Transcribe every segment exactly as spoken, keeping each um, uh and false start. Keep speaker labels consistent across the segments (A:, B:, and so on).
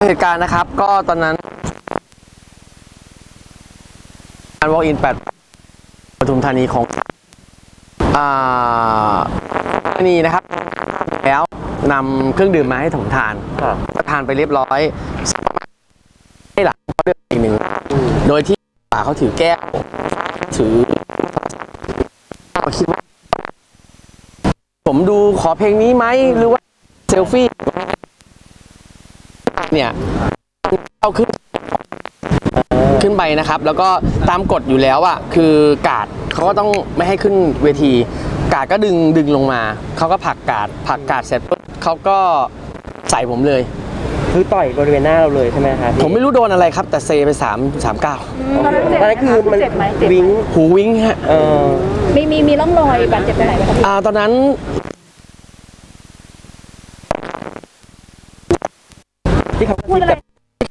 A: เหตุการณ์นะครับก็ตอนนั้นการ walk in แปดปทุมธานีของอ่านี่นะครับแล้วนำเครื่องดื่มมาให้ผมทานก็ทานไปเรียบร้อยให้หลังเขาเลือกอีกหนึ่งโดยที่ป่าเขาถือแก้วถือคิดว่าผมดูขอเพลงนี้ไหมหรือว่าเซลฟี่เนี่ยเอาขึ้นขึ้นไปนะครับแล้วก็ตามกฎอยู่แล้วอ่ะคือกาดเขาก็ต้องไม่ให้ขึ้นเวทีกาดก็ดึงดึงลงมาเขาก็ผลักกาดผลักกาดเสร็จปุ๊บเขาก็ใส่ผมเลย
B: คือต่อยบริเวณหน้าเราเลยใช่ไหมครับ
A: ผมไม่รู้โดนอะไรครับแต่เซไปสามสามเก้า
C: ตอนนั้นเจ็บไหมคือมัน
B: วิ้ง
A: หูวิ้งฮะ
B: เออ
C: มีมีมีร่องรอยบาดเจ็บตรงไหนไหมครับ
A: อ่าตอนนั้น
B: ที่เขา
C: พูดอะไร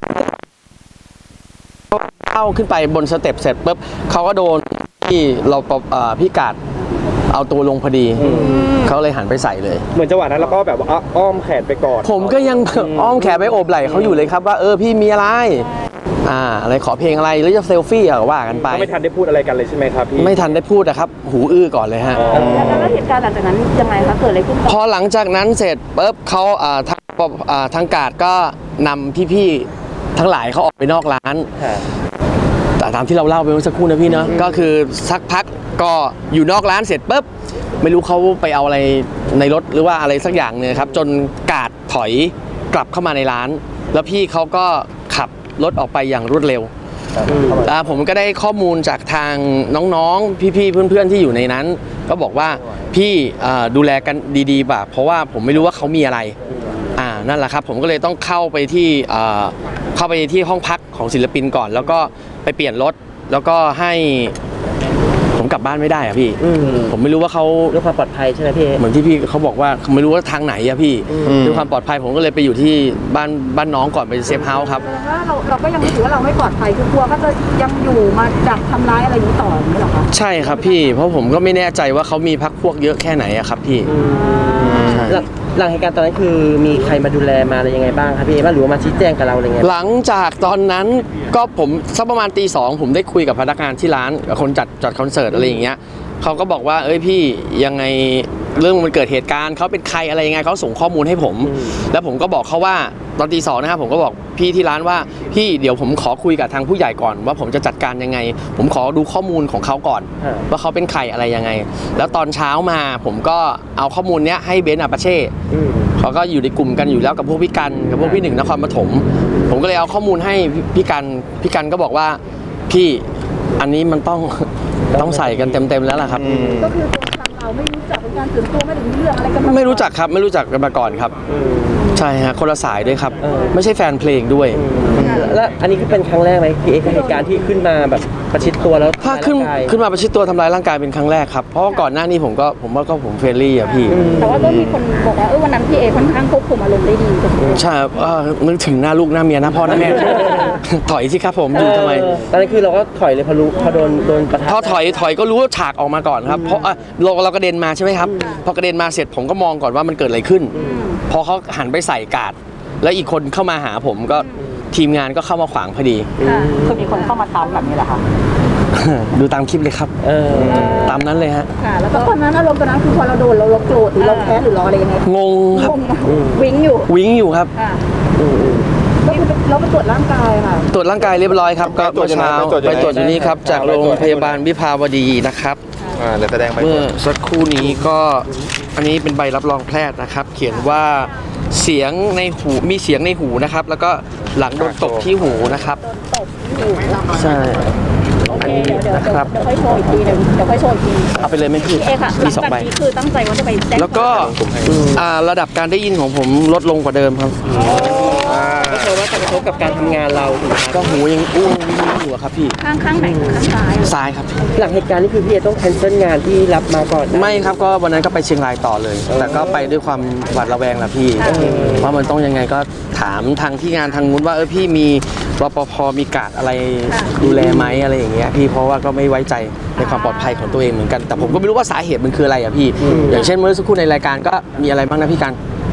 A: เข้าขึ้นไปบนสเต็ปเสร็จปุ๊บเขาก็โดนที่เราพี่กาดเอาตัวลงพอดีเขาเลยหันไปใส่เลย
B: เหมือนจังหวะนั้นเราก็แบบว่าอ้อมแขนไปก่อน
A: ผมก็ยังอ้อมแขนไปโอบไหล่เขาอยู่เลยครับว่าเออพี่มีอะไรอ่าอะไรขอเพลงอะไรหรือจะเซลฟี่อะว่ากันไป
B: ไม่ทันได้พูดอะไรกันเลยใช่ไหมครับพี่
A: ไม่ทันได้พูดนะครับหูอื้อก่อนเลยฮะ
C: แล้วเหตุการณ์หลังจากนั้นยังไงคะเกิดอะไรขึ้น
A: พอหลังจากนั้นเสร็จปุ๊บเขาอ่าทางอ่าทางกาดก็นำพี่ๆทั้งหลายเขาออกไปนอกร้านแต่ตามที่เราเล่าไปเมื่อสักครู่นะพี่เนาะก็คือสักพักก็อยู่นอกร้านเสร็จปุ๊บไม่รู้เขาไปเอาอะไรในรถหรือว่าอะไรสักอย่างเนี่ยครับจนกาดถอยกลับเข้ามาในร้านแล้วพี่เขาก็ขับรถออกไปอย่างรวดเร็วผมก็ได้ข้อมูลจากทางน้องๆพี่ๆเพื่อนๆที่อยู่ในนั้นก็บอกว่าพี่ดูแลกันดีๆแบบเพราะว่าผมไม่รู้ว่าเขามีอะไรอ่านั่นแหละครับผมก็เลยต้องเข้าไปที่เข้าไปที่ห้องพักของศิลปินก่อนแล้วก็ไปเปลี่ยนรถแล้วก็ให้ผมกลับบ้านไม่ได้อะพี่ผมไม่รู้ว่าเขา
B: ด้วยความปลอดภัยใช่ไหมพี่
A: เหมือนที่พี่เขาบอกว่าไม่รู้ว่าทางไหนอะพี่ด้วยความปลอดภัยผมก็เลยไปอยู่ที่บ้านบ้านน้องก่อนไปเซฟเฮาส์ครับ
C: แสดงว่าเราเราก็ยังถือว่าเราไม่ปลอดภัยคือกลัวก็จะยังอยู่มาดักทำร้ายอะไรอย่างนี้ต่ออย่างนี้หรอคะ
A: ใช่ครับพี่เพราะผมก็ไม่แน่ใจว่าเขามีพักพวกเยอะแค่ไหนอะครับพี่
B: หลังเหตุการณ์ตอนนั้นคือมีใครมาดูแลมาอะไรยังไงบ้างครับพี่ว่าหรือว่ามาชี้แจงกับเราอะไรเงี้ย
A: หลังจากตอนนั้นก็ผมสักประมาณตีสองผมได้คุยกับพนักงานที่ร้านกับคนจัดจัดคอนเสิร์ตอะไรอย่างเงี้ยเขาก็บอกว่าเอ้ยพี่ยังไงเรื่องมันเกิดเหตุการณ์เขาเป็นใครอะไรยังไงเขาส่งข้อมูลให้ผมแล้วผมก็บอกเขาว่าตอนตีสองนะครับผมก็บอกพี่ที่ร้านว่าพี่เดี๋ยวผมขอคุยกับทางผู้ใหญ่ก่อนว่าผมจะจัดการยังไงผมขอดูข้อมูลของเขาก่อนว่าเขาเป็นใครอะไรยังไงแล้วตอนเช้ามาผมก็เอาข้อมูลเนี้ยให้เบนซ์อาปาเช่เขาก็อยู่ในกลุ่มกันอยู่แล้วกับพวกพี่กันกับพวกพี่หนึ่งนครปฐมผมก็เลยเอาข้อมูลให้พี่กันพี่กันก็บอกว่าพี่อันนี้มันต้องต้องใส่กันเต็มๆแล้วล่ะครับ
C: ก็คือเราไม่รู้จักเป็นการส่วนตัวไม่ถึงเรื่องอะไรกัน
A: ไม่รู้จักครับไม่รู้จักกันมาก่อนครับใช่ฮะคนละสายด้วยครับไม่ใช่แฟนเพลงด้วย
B: แล้วอันนี้คือเป็นครั้งแรกไหมพี่เอกเหตุการณ์ที่ขึ้นมาแบบประชิดตัวแล้ว
A: ถ้าขึ้นขึ้นมาประชิดตัวทำร้ายร่างกายเป็นครั้งแรกครับเพราะว่าก่อนหน้านี้ผมก็ผมว่าก็ผมเฟรนลี่อะพี่
C: แต่ว่าก็มีคนบอกว่าเออวันนั้นพี่เอค่อนข้างควบคุมอารมณ์ได้ดี
A: ใช่ครับนึกถึงหน้าลูกหน้าเมียหน้าพ่อหน้าแม่ถอยสิครับผมอยู่ทำไม
B: ตอนนั้นคือเราก็ถอยเลยพอรู้พอโดนโดนประทะ
A: พอถอยถอยก็รู้ว่าฉากออกมาก่อนครับเพราะเราเรากระเด็นมาใช่ไหมครับพอกระเด็นมาเสร็จผมก็มองก่อนว่ามันเกิดอะไรขึ้นพอเขาหันไปใส่กาดแล้วอีกคนเข้ามาหาผมก็ทีมงานก็เข้ามาขวางพอดี
C: คือมีคนเข้ามาตามแบบนี้แหละค่ะ
A: ดูตามคลิปเลยครับตามนั้นเลยฮะ
C: แล้วก็ตอนนั้นอารมณ์ตอนนั้นคือพอเราโดนเราเราโกรธหรือเราแค้นหรือเราอะไรยังไง
A: งงครับ
C: วิ่งอยู่
A: วิ่งอยู่ครับ
C: ก็คือเราไปตรวจร่างกายค่ะ
A: ตรวจร่างกายเรียบร้อยครับก็เมื่อเช้าไปตรวจอยู่นี่ครับจากโรงพยาบาลวิภาวดีนะครับเมื่อสักครู่นี้ก็อันนี้เป็นใบรับรองแพทย์นะครับเขียนว่าเสียงในหูมีเสียงในหูนะครับแล้วก็หลังโดนตบที่หูนะครับ
C: ตบที่หู
A: ใช่
C: อันนี้นะครับเดี๋ยวค่อยโชว์อีกทีนึงเดี๋ยวค่อยโชว์อีกที
A: เอาไปเลยไหมพี่
C: เอค่ะหลังจากนี้คือตั้งใจว่าจะไป
A: แล้วก็ระดับการได้ยินของผมลดลงกว่าเดิมครับ
B: ก็คือว่าจะกระทบกับการทำงานเรา
A: ก็หูยังอู้อยู่ครับพี่
C: ข้างข้างไหนข้างซ้าย
A: ซ้ายครับ
B: หลังเหตุการณ์นี้คือพี่ต้องแคนเซิลงานที่รับมาก่อน
A: ไม่ครับก็วันนั้นก็ไปเชียงรายต่อเลยแต่ก็ไปด้วยความหวาดระแวงแหละพี่ว่ามันต้องยังไงก็ถามทางที่งานทางนู้นว่าเออพี่มีรปภมีกาดอะไรดูแลไหมอะไรอย่างเงี้ยพี่เพราะว่าก็ไม่ไว้ใจในความปลอดภัยของตัวเองเหมือนกันแต่ผมก็ไม่รู้ว่าสาเหตุมันคืออะไรอ่ะพี่อย่างเช่นเมื่อสักครู่ในรายการก็มีอะไรบ้างนะพี่กัน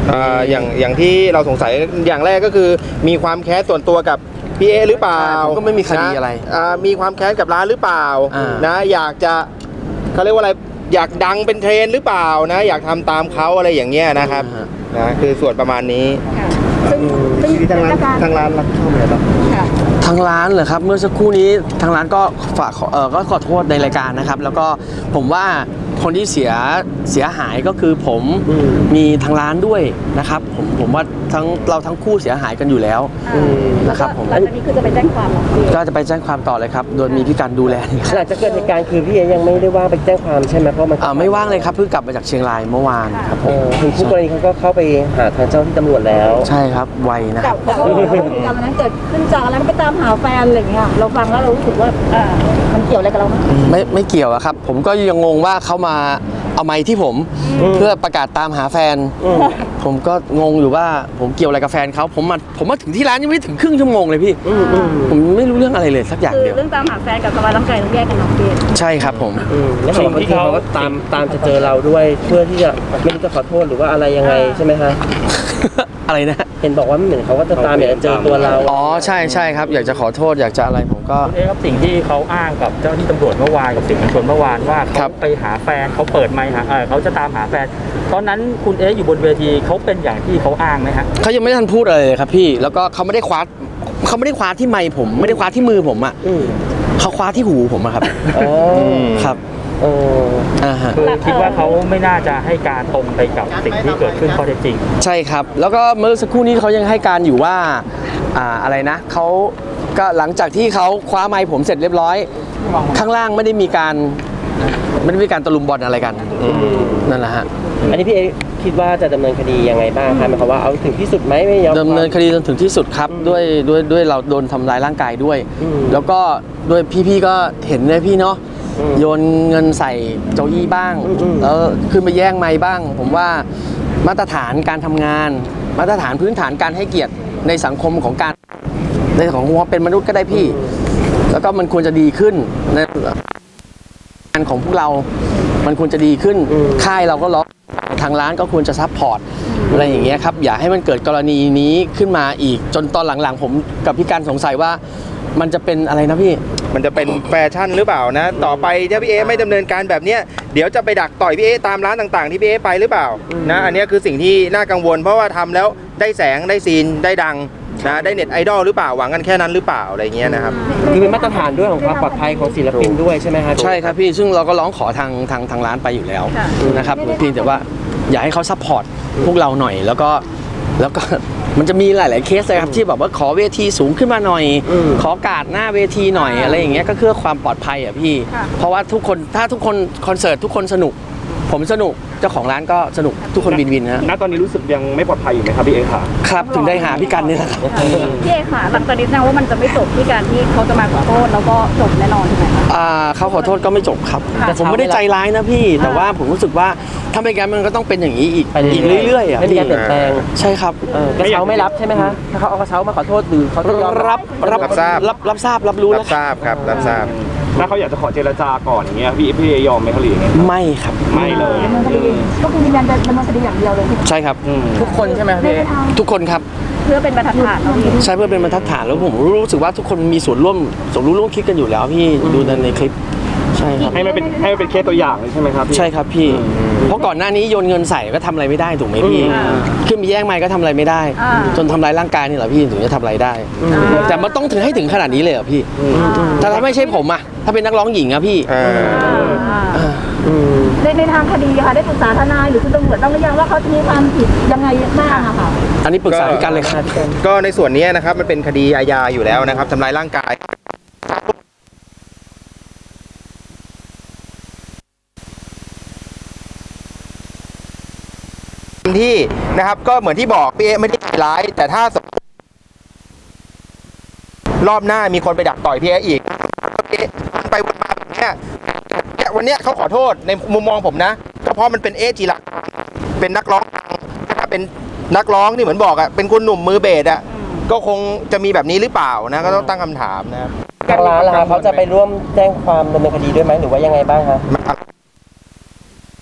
D: อ่าอย่างอย่างที่เราสงสัยอย่างแรกก็คือมีความแค้นส่วนตัวกับพี่เอหรือเปล่า
A: ผมก็ไม่มีคดีอะไร
D: นอ่ามีความแค้นกับร้านหรือเปล่า
A: อ่าน
D: นะอยากจะเขาเรียกว่าอะไรอยากดังเป็นเทรนด์หรือเปล่านะอยากทำตามเขาอะไรอย่างเงี้ยนะครับนะคือส่วนประมาณนี้
C: ซึ่งซึ่ง
D: ที่ทางร้านทางร้านรับชอบอะไรบ้าง
C: ค่ะ
A: ทางร้านเหรอครับเมื่อสักครู่นี้ทางร้านก็ฝากขอเออก็ขอโทษในรายการนะครับ แล้วก็ผมว่าคนที่เสียเสียหายก็คือผมมีทางร้านด้วยนะครับผมผมว่าทั้งเราทั้งคู่เสียหายกันอยู่แล้ว
C: อืม
A: นะครับผม
C: หลังจากนี้คือจะไปแจ้งความเหรอพี่
A: ก็จะไปแจ้งความต่อเลยครับ โดยมีพี่กันดูแลนี่ครับ
B: หลังจากเกิดเหตุการณ์คือพี่เอยังไม่ได้ว่างไปแจ้งความใช่ไหไหมเพราะมัน
A: อ่าไม่ว่างเลยครับเพิ่งกลับมาจากเชียงรายเมื่อวานครับผ
B: เอ
A: ม
B: อถึงคู่กรณีเขาก็เข้าไปหาทางเจ้าที่ตำรวจแล้ว
A: ใช่ครับไวนะค
C: กั
A: รั
C: บบ แต่ว่าพฤติกรรมนั้นเกิดขึ้นจากอะไรไม่ไปตามหาแฟนอะไรอย่างเงี้ยเราฟังแล้วเรารู้สึกว่าอ่ามันเกี่ยวอะไรกับเราไหม
A: ไม่ไม่เกี่ยวอะครับ ผมก็ยังงงว่าเขามาเอาไม้ที่ผมเพื่อประกาศตามหาแฟน ผมก็งงอยู่ว่าผมเกี่ยวอะไรกับแฟนเขาผมมาผมมาถึงที่ร้านยังไม่ถึงครึ่งชั่วโมงเลยพี่ผมไม่รู้เรื่องอะไรเลยสักอย่าง
C: คือ
A: เดียว
C: เรื่องตามหาแฟนกับสบายร่างกายต้องแยกกันเนาะพี่
A: ใช่ครับผม
B: อืมแล้วสิ่งที่เขาก็ตามตามจะเจอเราด้วยเพื่อที่จะไม่รู้จะขอโทษหรือว่าอะไรยังไงใช่ไหมฮะ
A: อะไรนะ
B: เห็นบอกว่าเหมือนเขาก็จะตามอยากจะเจอตัวเรา
A: อ๋อใช่ใช่ครับ อยากจะขอโทษอยากจะอะไรผมก็
E: คุณเอ๊ครับสิ่งที่เขาอ้างกับเจ้าหน้าที่ตำรวจเมื่อวานกับสื่อมวลชนเมื่อวานว่า
A: ครั
E: เขา
A: บ
E: ไปหาแฟนเขาเปิดไมค์หาเออเขาจะตามหาแฟน ตอนนั้นคุณเอ๊อยู่บนเวทีเขาเป็นอย่างที่เขาอ้างไหมฮะ
A: เขายังไม่ทันพูดอะไรเลยครับพี่แล้วก็เขาไม่ได้คว้าเขาไม่ได้คว้าที่ไมค์ผมไม่ได้คว้าที่มือผมอ่ะ
B: อืม
A: เขาคว้าที่หูผมอะครับ
B: อ๋อ
A: ครับ
B: เออ
A: อ่าฮะ
E: คือคิดว่าเขาไม่น่าจะให้การตรงไปกับสิ่งที่เกิดขึ้นข้อเท็จจริง
A: ใช่ครับ แล้วก็เมื่อสักครู่นี้เขายังให้การอยู่ว่าอ่าอะไรนะเขาก็หลังจากที่เขาคว้าไมค์ผมเสร็จเรียบร้อย ข้างล่างไม่ได้มีการไม่ได้มีการตะลุมบอลอะไรกันนั่นแหละฮะ
B: อันนี้พี่เอคิดว่าจะดำเนินคดียังไงบ้างคะหมายความว่าเอาถึงที่สุดไหมไม่ยอม
A: ดำเนินคดีจนถึงที่สุดครับด้วยด้วยด้วยเราโดนทำร้ายร่างกายด้วย
B: อืม
A: แล้วก็ด้วยพี่ๆก็เห็นเลยพี่เนาะ
B: อืม
A: โยนเงินใส่โจอี้บ้าง
B: อืมอืม
A: แล้วขึ้นมาแย่งไม้บ้าง ผมว่ามาตรฐานการทำงาน มาตรฐานพื้นฐานการให้เกียรติในสังคมของการในของความเป็นมนุษย์ก็ได้พี่ แล้วก็มันควรจะดีขึ้นในงานของพวกเรา มันควรจะดีขึ้น ค่ายเราก็ร้องทางร้านก็ควรจะซัพพอร์ตอะไรอย่างเงี้ยครับ อย่าให้มันเกิดกรณีนี้ขึ้นมาอีก จนตอนหลังๆ ผมกับพี่การสงสัยว่ามันจะเป็นอะไรนะพี่
D: มันจะเป็นแฟชั่นหรือเปล่านะ ต่อไปถ้าพี่เอไม่ดำเนินการแบบเนี้ยเดี๋ยวจะไปดักต่อยพี่เอตามร้านต่างๆ ที่พี่เอไปหรือเปล่านะอันเนี้ยคือสิ่งที่น่ากังวล เพราะว่าทำแล้วได้แสงได้ซีนได้ดังนะได้เน็ตไอดอลหรือเปล่าหวังกันแค่นั้นหรือเปล่าอะไรเงี้ยนะครับ
B: คือเป็นมาตรฐานด้วยของความปลอดภัยของศิลปินด้วยใช่ไหมฮะ
A: ใช่ครับพี่ ซึ่งเราก็ร้องขอทางทางทางร้านไปอยู่แล้วนะครับเพียงแต่ว่าอยากให้เขาซัพพอร์ตพวกเราหน่อย แล้วก็แล้วก็ มันจะมีหลาย ๆ เคสเลยครับที่แบบว่าขอเวทีสูงขึ้นมาหน่อย
B: อืม
A: ขอการ์ดหน้าเวทีหน่อยอะไรอย่างเงี้ยก็เพื่อความปลอดภัยอ่ะพี่ เพราะว่าทุกคนถ้าทุกคนคอนเสิร์ตทุกคนสนุก ผมสนุกเจ้าของร้านก็สนุกทุกคนวินวินนะ
E: ณ ตอนนี้รู้สึกยังไม่ปลอดภัยอยู่ไหมครับพี่เอ๊ค่ะ
A: ครับถึงได้หาพี่กันนี่แหละครับ
C: พี่เอค่ะหลังจากนี้แสดงว่ามันจะไม่จบที่การที่เขาจะมาขอโทษแล้วก็จบแน่นอนใช่ไหมคะ
A: อ่าเขาขอโทษก็ไม่จบครับ แต่ผมไม่ได้ใจร้ายนะพี่ แต่ว่าผมรู้สึกว่าถ้าไม่งั้นมันก็ต้องเป็นอย่างนี้อีก
B: ไปเรื่อยๆ
A: อีกเรื่อยๆอ่ะ
B: ไม่มี
A: พี่
B: การเปลี่ยนแปลง
A: ใช่ครับ
B: เออกระเช้าไม่รับใช่ไหมฮะถ้าเขาเอากระเช้ามาขอโทษหรือเขาจะยอม
A: รับรับ
D: รับทราบ
A: รับรับทราบรับรู้
D: รั
A: แล้
D: บ
A: ว
D: ทราบครับรับทราบ
E: ถ้าเขาอยากจะขอเจรจาก่อนอย่างเงี้ยพี่พี่เอยอมไหมเขาหรือยังไง
A: ไม่ครับ
E: ไม่เลย
C: ดำเนินคดีก็คือยืนยันจะดำเนินคดีอย่างเดียวเลย
A: ใช่ครับ
B: ทุกคนใช่ไหมครับ
C: ไม่
B: พี่เอ
C: ได้ท
A: ทุกคนครับ
C: ำเพื่อเป็นบรรทัดฐานเนาะพี่
A: ใช่เพื่อเป็นบรรทัดฐานแล้วผมรู้สึกว่าทุกคนมีส่วนร่วมส่วนรู้ร่วมคิดกันอยู่แล้วพี่ดูในในคลิป ใช่ครับ
E: ให้มันเป็นให้มันเป็นเคสตัวอย่างเลยใช่ไหมครับพี่
A: ใช่ครับพี่ เพราะก่อนหน้านี้โยนเงินใส่ก็ทำอะไรไม่ได้ถูกไหมพี่
C: อ่า
A: ขึ้นไปแย่งไมค์ก็ทำอะไรไม่ได้
C: อ่า
A: จนทำร้ายร่างกายนี่แหละพี่ถึงจะทำอะไรได้ แต่มันต้องถึงให้ถึงขนาดนี้เลยเหรอพี่แต่ถ้าไม่ใช่ผมอะถ้าเป็นนักร้องหญิงอะพี่
D: อ่า
C: อ่าในในทางคดีค่ะได้ปรึกษาทนายหรือคุณตำรวจบ้างหรือยังว่าเขาจะมีความผิดยังไงบ้างอะค่ะ
A: อันนี้ปรึกษาพี่กันเลยครับ
D: ก็ในส่วนนี้นะครับมันเป็นคดีอาญาอยู่แล้วนะครับทำร้ายร่างกายที่นะครับก็เหมือนที่บอกพี่เอ๊ไม่ได้ใจร้าย แต่ถ้าสมมุติรอบหน้ามีคนไปดักต่อยพี่เอ๊อีกพี่เอ๊วนไปวนมาแบบเนี้ยเนี่ยวันเนี้ยเขาขอโทษในมุมมองผมนะก็เพราะมันเป็นเอ๊จิระเป็นนักร้องนะครับเป็นนักร้องที่เหมือนบอกอะเป็นคนหนุ่มมือเบสอะก็คงจะมีแบบนี้หรือเปล่านะก็ต้องตั้งคำถามนะครับ
B: ทางร้านล่ะครับเขาจะไปร่วมแจ้งความดำเนินคดีด้วยไหมหรือว่ายังไงบ้างคะ
D: ค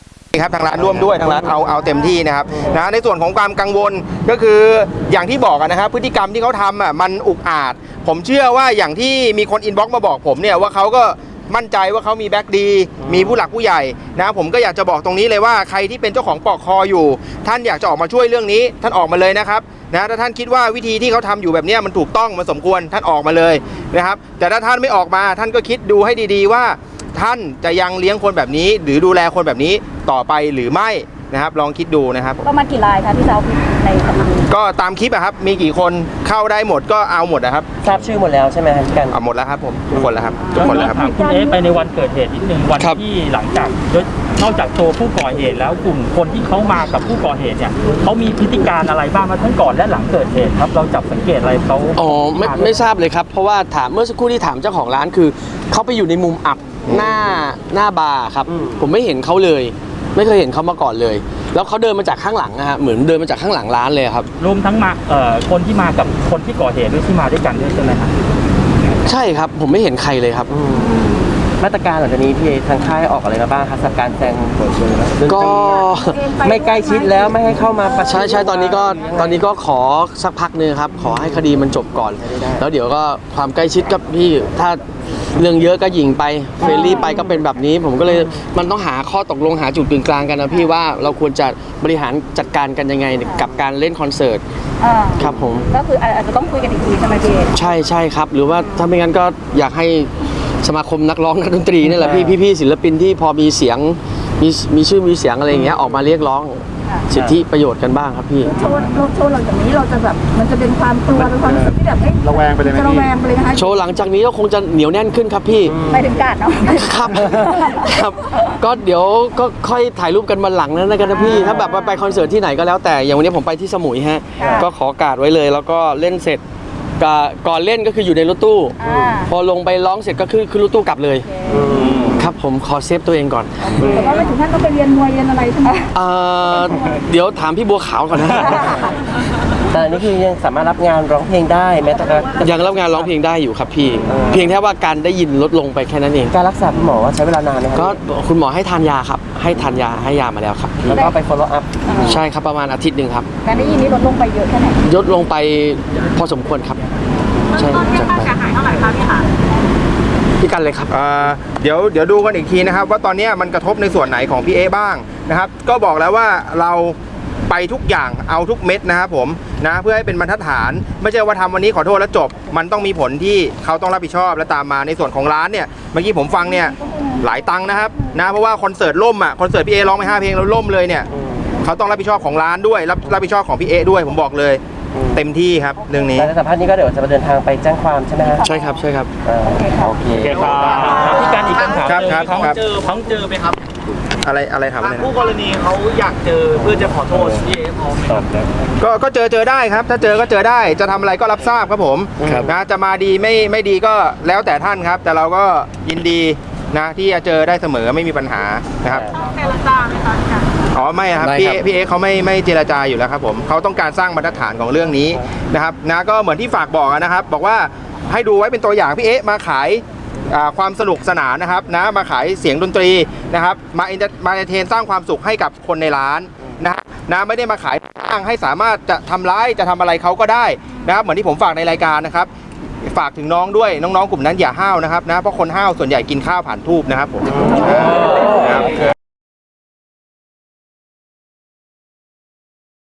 D: ครับทางร้านร่วมด้วยทางร้านเอาเอาเต็มที่นะครับนะในส่วนของความกังวลก็คืออย่างที่บอกอะนะครับพฤติกรรมที่เขาทำอ่ะมันอุกอาจผมเชื่อว่าอย่างที่มีคนอินบ็อกซ์มาบอกผมเนี่ยว่าเขาก็มั่นใจว่าเขามีแบ็กดีมีผู้หลักผู้ใหญ่นะผมก็อยากจะบอกตรงนี้เลยว่าใครที่เป็นเจ้าของปอกคออยู่ ท่านอยากจะออกมาช่วยเรื่องนี้ท่านออกมาเลยนะครับนะถ้าท่านคิดว่าวิธีที่เขาทำอยู่แบบนี้มันถูกต้องมันสมควรท่านออกมาเลยนะครับแต่ถ้าท่านไม่ออกมาท่านก็คิดดูให้ดีๆว่าท่านจะยังเลี้ยงคนแบบนี้หรือดูแลคนแบบนี้ต่อไปหรือไม่นะครับลองคิดดูนะครับ
C: ประมาณกี่รายคะที่เราในคดี
D: ก็ตามคลิปอะครับมีกี่คนเข้าได้หมดก็เอาหมดนะครับ
B: ทราบชื่อหมดแล้วใช่ไหมครับพี่กัน
D: เอาหมดแล้วครับผมทุกคนแล้วครับทุกคนแล้วครับ
E: ถามคุณเอ๊ะไปในวันเกิดเหตุนิดนึงวัน
A: ครับ
E: ที่หลังจากนอกจากตัวผู้ก่อเหตุแล้วกลุ่มคนที่เขามากับผู้ก่อเหตุเนี่ยเขามีพฤติการอะไรบ้างมาทั้งก่อนและหลังเกิดเหตุครับเราจับสังเกตอะไรเขา
A: อ๋อไม่ไม่ทราบเลยครับ เพราะว่าถามเมื่อสักครู่ที่ถามเจ้าของร้านคือเขาไปอยู่ในมุมอับหน้าหน้าบาร์ครับผมไม่เห็นเขาเลย ไม่เคยเห็นเขามาก่อนเลย แล้วเขาเดินมาจากข้างหลังนะฮะเหมือนเดินมาจากข้างหลังร้านเลยครับ
E: รวมทั้งมาเอ่อคนที่มากับคนที่ก่อเหตุด้วยที่มาด้วยกันด้วยใช่ไหมครับ
A: ใช่ครับผมไม่เห็นใครเลยครับ
B: มาตรการหลังจากนี้พี่ทางค่ายออกอะไรมาบ้างครับสำหรับการแซง
A: ก็
B: ไม่ใกล้ชิดแล้วไม่ให้เข้ามาประชิด
A: ใช่ใช่ตอนนี้ก็ตอนนี้ก็ขอสักพักหนึงครับ ขอให้คดีมันจบก่อน แล้วเดี๋ยวก็ความใกล้ชิดกับพี่ถ้าเรื่องเยอะก็ยิงไปเฟรนลี่ไปก็เป็นแบบนี้ ผมก็เลยมันต้องหาข้อตกลงหาจุดกึ่งกลางกันนะพี่ว่าเราควรจะบริหารจัดการกันยังไงกับการเล่นคอนเสิร์ต
C: อ่า
A: ครับผม
C: ก็คืออาจจะต้องคุยกันอีกทีใช่ไหมพี่
A: ใช่ใช่ครับ หรือว่าถ้าไม่งั้นก็อยากให้สมาคมนักร้องนักดนตรีนี่แหละพี่พี่ๆศิลปินที่พอมีเสียงมีมีชื่อมีเสียงอะไรอย่างเงี้ยออกมาเรียกร้องสิทธิประโยชน์กันบ้างครับพี่
C: โชว์เราโชว์หลังจากนี้เราจะแบบมันจะเป็นความกลัวเป็นความรู้สึกที่แบบเฮ้ย
F: ระแวงไปเลยไหม
C: จะระ
F: พี่
C: แวงไปเลยนะคะ
A: โชว์หลังจากนี้ก็คงจะเหนียวแน่นขึ้นครับพี่
C: ไปถึงกาดเนาะ
A: ครับ ครับ ก็เดี๋ยวก็ค่อยถ่ายรูปกันมาหลังนั้นนะกันนะพี่ ถ้าแบบว่าไปคอนเสิร์ตที่ไหนก็แล้วแต่อย่างวันนี้ผมไปที่สมุยฮะ ก็ขอการ์ดไว้เลย แล้วก็เล่นเสร็จก็ก่อนเล่นก็คืออยู่ในรถตู้
C: อ่า
A: พอลงไปร้องเสร็จก็คือขึ้นรถตู้กลับเลย ครับผมขอเซฟตัวเองก่อน
C: แต่ว่าไม่ถึงขั้นต้องไปเรียนมวยเรียนอะไรใช่ไหม
A: เอ่อเดี๋ยวถามพี่บัวขาวก่อนนะ
B: แต่อันนี้คือยังสามารถรับงานร้องเพลงได้แม้แต่การ
A: ยังรับงานร้องเพลงได้อยู่ครับพี่ เพียงแค่ว่าการได้ยินลดลงไปแค่นั้นเอง
B: การรักษาคุณหมอว่าใช้เวลานานไหมครั
A: ก็คุณหมอให้ทานยาครับ ให้ทานยาให้ยามาแล้วครับ
B: แล้วก็ไป follow up
A: ใช่ครับประมาณอาทิตย์หนึ่งครับ
C: การได้ยินนี้ลดลงไปเยอะแค่ไหน
A: ยดลงไปพอสมควรครับ ใช่จากไป
C: หายเท่าไหร่คะพี่คะ
A: พี่กันเลยครับ
D: เอ่อเดี๋ยวเดี๋ยวดูกันอีกทีนะครับว่าตอนนี้มันกระทบในส่วนไหนของพี่เอบ้างนะครับก็บอกแล้วว่าเราไปทุกอย่างเอาทุกเม็ดนะครับผมนะเพื่อให้เป็นบรรทัดฐานไม่ใช่ว่าทำวันนี้ขอโทษแล้วจบ มันต้องมีผลที่เขาต้องรับผิดชอบและตามมาในส่วนของร้านเนี่ยเมื่อกี้ผมฟังเนี่ยหลายตังค์นะครับนะเพราะว่าคอนเสิร์ตล่มอ่ะคอนเสิร์ตพี่เอร้องไปห้าเพลงแล้วล่มเลยเนี่ยเขาต้องรับผิดชอบของร้านด้วยรับรับผิดชอบของพี่เอด้วยผมบอกเลยเต็มที่ครับเรื่องนี้
B: แต่ในสัมภาษณ์นี้ก็เดี๋ยวจะเดินทางไปแจ้งความใช่ไหมฮะ
A: ใช่ครับใช่ครับ
B: อ่าโอเค
E: โอเคครับพี่การอีกคำถาม
D: ครับ
E: เจอ
D: ครับ
E: เขา
D: ครับ
E: เจอเขาเจอไหมครับ
D: อะไรอะไรถามอะไรนะ
E: คู่กรณีเขาอยากเจอเพื่อจะขอโทษพี่เอพร้อมไหมครับ
D: ก็ก็เจอเจอได้ครับ ถ้าเจอก็เจอได้จะทำอะไรก็รับทราบครับผม
A: ครับ
D: นะจะมาดีไม่ไม่ดีก็แล้วแต่ท่านครับ แต่เราก็ยินดีนะที่จะเจอได้เสมอไม่มีปัญหานะครับ
C: เจรจาไหมคะ
D: อ๋อไม่ครับ
A: ไม่
D: พี่
A: ครับ
D: พี่เอเขาไม่ไม่เจรจาอยู่แล้วครับผมเขาต้องการสร้างบรรทัดฐานของเรื่องนี้นะครับนะก็เหมือนที่ฝากบอกนะครับ บอกว่าให้ดูไว้เป็นตัวอย่างพี่เอมาขายอ่าความสนุกสนานนะครับนะมาขายเสียงดนตรีนะครับมาเอนมาเอนเตอร์เทนสร้างความสุขให้กับคนในร้านนะนะไม่ได้มาขายอ้างให้สามารถจะทำร้ายจะทำอะไรเขาก็ได้นะครับเหมือนที่ผมฝากในรายการนะครับฝากถึงน้องด้วยน้องๆกลุ่มนั้นอย่าห้าวนะครับนะเพราะคนห้าวส่วนใหญ่กินข้าวผ่านทูบนะครับผมครับ